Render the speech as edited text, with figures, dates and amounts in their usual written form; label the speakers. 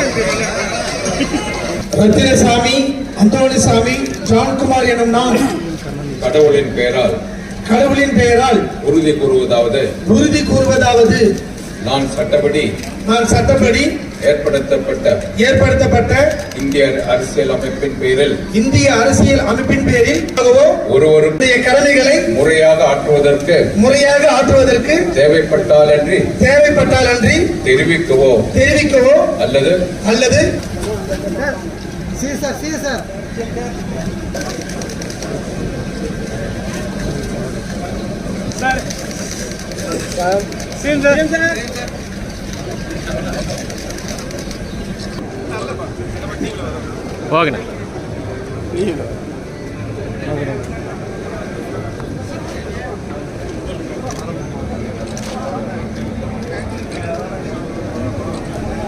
Speaker 1: ரத்தினசாமி, அந்தோணிசாமி, ஜான்குமார் எனும் நான்
Speaker 2: கடவுளின் பெயரால் உறுதி கூறுவதாவது நான் சட்டப்படி ஏற்படுத்தப்பட்ட இந்திய அரசியல் அமைப்பின் பேரில் ஒருவருடைய கடமைகளை முறையாக ஆற்றுவதற்கு தேவைப்பட்டால் அன்றி தெரிவிக்கவோ அல்லது
Speaker 3: ஓகே